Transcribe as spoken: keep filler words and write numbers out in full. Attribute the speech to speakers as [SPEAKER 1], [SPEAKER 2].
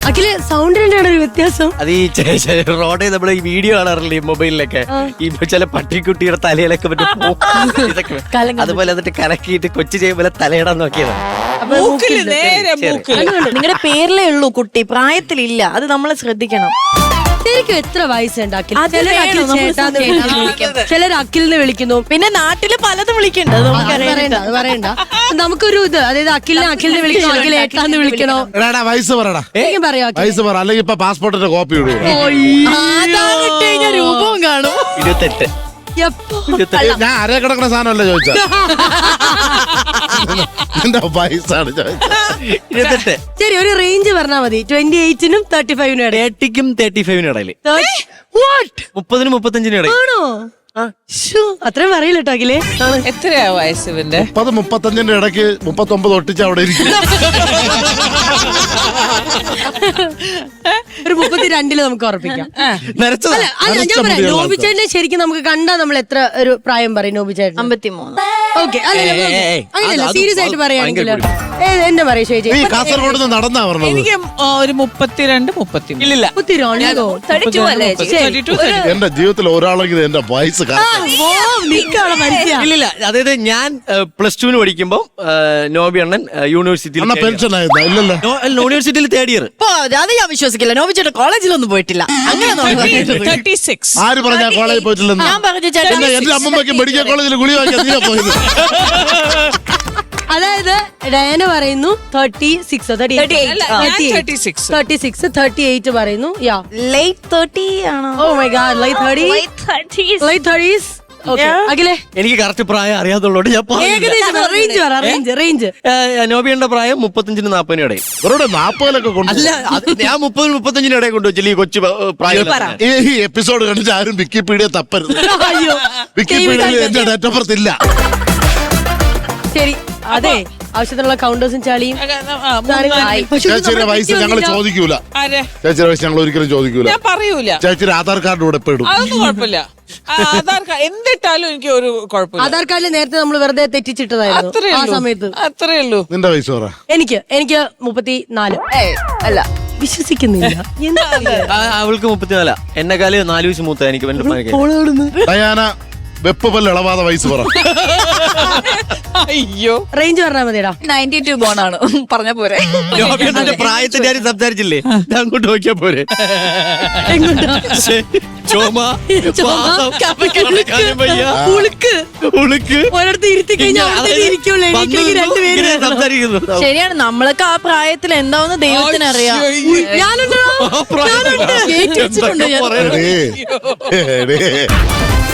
[SPEAKER 1] അഖില് സൗണ്ടിന്റെ ഒരു വ്യത്യാസം.
[SPEAKER 2] അത് ഈ റോഡിൽ നമ്മള് ഈ വീഡിയോ കാണാറില്ലേ ഈ മൊബൈലിലൊക്കെ, ഈ ചില പട്ടിക്കുട്ടിയുടെ തലയിലൊക്കെ മറ്റേ പൂ- ഇതൊക്കെ അതുപോലെ എന്നിട്ട് കലക്കിയിട്ട് കൊച്ചു ചെയ്യുമ്പോൾ തലയിടാൻ നോക്കിയതാണ്.
[SPEAKER 3] നിങ്ങളുടെ പേരിലേ ഉള്ളൂ കുട്ടി, പ്രായത്തിലില്ല. അത് നമ്മൾ ശ്രദ്ധിക്കണം.
[SPEAKER 1] ശരിക്കും എത്ര വയസ്സുണ്ടാക്കി?
[SPEAKER 3] അത്
[SPEAKER 1] ചിലർ
[SPEAKER 3] വേണം,
[SPEAKER 1] അഖിൽ
[SPEAKER 3] നമ്മൾ
[SPEAKER 1] ചേട്ടാന്ന് വിളിക്കും, ചിലർ അഖിലിനെ വിളിക്കുന്നു.
[SPEAKER 3] പിന്നെ നാട്ടില് പലതും വിളിക്കണ്ട,
[SPEAKER 1] അത് പറയണ്ട, അത് പറയണ്ട. നമുക്കൊരു ഇത്, അതായത് അഖിലിനെ അഖിലിനെ വിളിക്കണോ, അഖിൽ ഏട്ടാന്ന് വിളിക്കണോ?
[SPEAKER 4] വയസ്സ് പറയടാ,
[SPEAKER 1] ശരിക്കും പറയാ
[SPEAKER 4] വയസ്സ് പറ, അല്ലെങ്കിൽ ഇപ്പൊ പാസ്പോർട്ടിന്റെ കോപ്പി ഇടുക.
[SPEAKER 3] രൂപവും കാണും.
[SPEAKER 2] ഇരുപത്തെട്ട്
[SPEAKER 4] ഞാൻ അര കിടക്കുന്ന സാധനമല്ല ചോദിച്ചത്, എന്റെ വയസ്സാണ് ചോദിച്ചത്.
[SPEAKER 2] ഇരുപത്തെട്ട്.
[SPEAKER 1] ശരി, ഒരു റേഞ്ച് പറഞ്ഞാൽ മതി. ട്വന്റി എയ്റ്റിനും തേർട്ടി ഫൈവിനും ഇടയിൽ.
[SPEAKER 2] തേർട്ടിക്കും തേർട്ടി ഫൈവിനും ഇടയിൽ. മുപ്പതിനും മുപ്പത്തഞ്ചിനും ഇടയിൽ.
[SPEAKER 1] ആണോ? അത്രയും അറിയില്ല കേട്ടോ അഖിലേ.
[SPEAKER 5] എത്രയാ വയസ്സ് ഇവന്റെ?
[SPEAKER 4] മുപ്പത് മുപ്പത്തഞ്ചിന്റെ ഇടയ്ക്ക് മുപ്പത്തി ഒമ്പത് ഒട്ടിച്ച് അവിടെ ഇരിക്കും.
[SPEAKER 1] ഒരു മുപ്പത്തിരണ്ടില് നമുക്ക് ഉറപ്പിക്കാം.
[SPEAKER 2] നരച്ചതാ.
[SPEAKER 1] അല്ല, അല്ല, ഞാൻ പറയാം, നോബിച്ചേട്ടനെ ശരിക്കും നമുക്ക് കണ്ടാ നമ്മൾ എത്ര ഒരു പ്രായം പറയും നോബിച്ചേട്ടൻ?
[SPEAKER 3] അമ്പത്തിമൂന്ന്.
[SPEAKER 1] ഓക്കെ, അങ്ങനെയല്ല,
[SPEAKER 2] അത്
[SPEAKER 1] സീരിയസ് ആയിട്ട്
[SPEAKER 2] അത്
[SPEAKER 1] പറയുകയാണെങ്കിൽ
[SPEAKER 2] ഭയങ്കര
[SPEAKER 1] എന്നെ പറയും ചേച്ചി.
[SPEAKER 4] നീ കാസർഗോഡ് നിന്ന് നടന്നാ പറഞ്ഞത്.
[SPEAKER 5] എനിക്ക് ആ, ഒരു മുപ്പത്തിരണ്ട് മുപ്പത്തിമൂന്ന്.
[SPEAKER 2] ഇല്ലില്ല.
[SPEAKER 1] മുപ്പത്തിരണ്ടോ?
[SPEAKER 4] എന്റെ ജീവിതത്തിൽ ഒരാളെങ്കിലും എന്റെ വയസ്സ്
[SPEAKER 2] ഇല്ലില്ല. അതായത് ഞാൻ പ്ലസ് ടുവിന് പഠിക്കുമ്പോ നോബി അണ്ണൻ യൂണിവേഴ്സിറ്റിയിൽ
[SPEAKER 4] പെൻഷൻ ആയിരുന്ന ഇല്ലല്ലോ.
[SPEAKER 2] യൂണിവേഴ്സിറ്റിയിൽ തേർഡ് ഇയർ.
[SPEAKER 3] അത് ഞാൻ വിശ്വസിക്കില്ല. നോബിച്ചേട്ടൻ കോളേജിലൊന്നും പോയിട്ടില്ല. അങ്ങനെ
[SPEAKER 5] തേർട്ടി സിക്സ്.
[SPEAKER 4] ആര് പറഞ്ഞാ കോളേജിൽ പോയിട്ടില്ലെന്ന്?
[SPEAKER 3] ഞാൻ പറഞ്ഞു ചേട്ടാ,
[SPEAKER 4] എന്റെ എന്റെ അമ്മമ്മയ്ക്ക് മെഡിക്കൽ കോളേജിൽ ഗുളി വാങ്ങിയാ നീ പോയത്.
[SPEAKER 1] അതായത് ഡയന പറയുന്നു തേർട്ടി സിക്സ്
[SPEAKER 5] അല്ല, ഞാൻ thirty-six.
[SPEAKER 1] Thirty six thirty eight പറയുന്നു. യാ,
[SPEAKER 3] ലേറ്റ് തേർട്ടി ആണോ?
[SPEAKER 1] Oh my god, late thirty, late thirties. അഖിലേ,
[SPEAKER 2] എനിക്ക് കറക്റ്റ് പ്രായം അറിയാത്തുള്ളൂ. ഞാൻ
[SPEAKER 1] ഏകദേശം റേഞ്ച് പറ, റേഞ്ച് റേഞ്ച്
[SPEAKER 2] നോബിയുടെ പ്രായം മുപ്പത്തഞ്ചിനും നാപ്പതിനും ഇടയിൽ.
[SPEAKER 4] ഇവരുടെ നാപ്പതിലൊക്കെ കൊണ്ട്
[SPEAKER 2] അല്ല, അത് ഞാൻ മുപ്പതിനും മുപ്പത്തഞ്ചിനും ഇടയിൽ കൊണ്ടുവച്ചില്ല ഈ കൊച്ചു പ്രായം.
[SPEAKER 4] ഈ എപ്പിസോഡ് കണ്ടിട്ട് ആരും വിക്കിപീഡിയ തപ്പരുത്.
[SPEAKER 1] അയ്യോ,
[SPEAKER 4] വിക്കിപീഡിയയിൽ എന്റെ ഡേറ്റ് ഓഫ് ബർത്ത് ഇല്ല.
[SPEAKER 1] ശരി, അതെ, ആവശ്യത്തിനുള്ള കൗണ്ടേഴ്സും ചളിയും.
[SPEAKER 4] ചേച്ചിയുടെ വയസ്സ് ഞങ്ങൾ ചോദിക്കൂല.
[SPEAKER 5] ആരെ?
[SPEAKER 4] ചേച്ചിയുടെ വയസ്സ് ഞങ്ങൾ ഒരിക്കലും ചോദിക്കൂല.
[SPEAKER 5] ഞാൻ പറയൂല.
[SPEAKER 4] ചേച്ചിയുടെ ആധാർ കാർഡ് കൂടെ പെടും.
[SPEAKER 5] അതൊന്നും കുഴപ്പമില്ല. ആ, ആധാർ കാർഡ് എന്തിട്ടാലും എനിക്ക് ഒരു കുഴപ്പമില്ല.
[SPEAKER 1] ആധാർ കാർഡിൽ നേരത്തെ നമ്മൾ വെറുതെ തെറ്റിച്ചിട്ടതായിരുന്നു
[SPEAKER 5] അത്രേ
[SPEAKER 1] ആ
[SPEAKER 5] ഉള്ളൂ.
[SPEAKER 1] സമയത്ത്.
[SPEAKER 5] അത്രേ ഉള്ളൂ.
[SPEAKER 4] നിന്റെ വയസ്സ് പറ.
[SPEAKER 1] എനിക്ക് എനിക്ക് മുപ്പത്തി നാല്.
[SPEAKER 3] അല്ല,
[SPEAKER 1] വിശ്വസിക്കുന്നില്ല.
[SPEAKER 2] ആ, അവൾക്ക് മുപ്പത്തിനാലാ. എന്നെക്കാല് നാല് വയസ്സ് മൂത്ത എനിക്ക്. എന്റെ
[SPEAKER 4] ഡയാന വെപ്പ് പല്ല് ഇളവാതെ വയസ്സ് പറ.
[SPEAKER 5] അയ്യോ,
[SPEAKER 1] റേഞ്ച് പറഞ്ഞാൽ മതിടാ.
[SPEAKER 3] Ninety two ബോണാണ്. പറഞ്ഞ പോരെ.
[SPEAKER 2] പ്രായത്തിന്റെ കാര്യം സംസാരിച്ചില്ലേ, അങ്ങോട്ട് നോക്കിയാ പോരെ. ചുമ, വാദം, കിടക്കാനും വയ്യ,
[SPEAKER 1] ഉളുക്ക്
[SPEAKER 2] ഉളുക്ക്.
[SPEAKER 1] ഒരിടത്ത് ഇരുത്തി കഴിഞ്ഞാൽ അവിടെ ഇരിക്കുള്ളൂ. എണീക്കണമെങ്കിൽ രണ്ടുപേരും
[SPEAKER 2] ഇങ്ങനെ സംസാരിക്കുന്നു.
[SPEAKER 3] ശരിയാണ്, നമ്മളൊക്കെ ആ പ്രായത്തിൽ എന്താവുന്ന ദൈവത്തിന് അറിയാം.
[SPEAKER 1] ഞാനുണ്ടോ?
[SPEAKER 2] ആ പ്രായം.
[SPEAKER 3] കേറ്റി വെച്ചിട്ടുണ്ട് ഞാൻ.
[SPEAKER 4] എടേ, എടേ.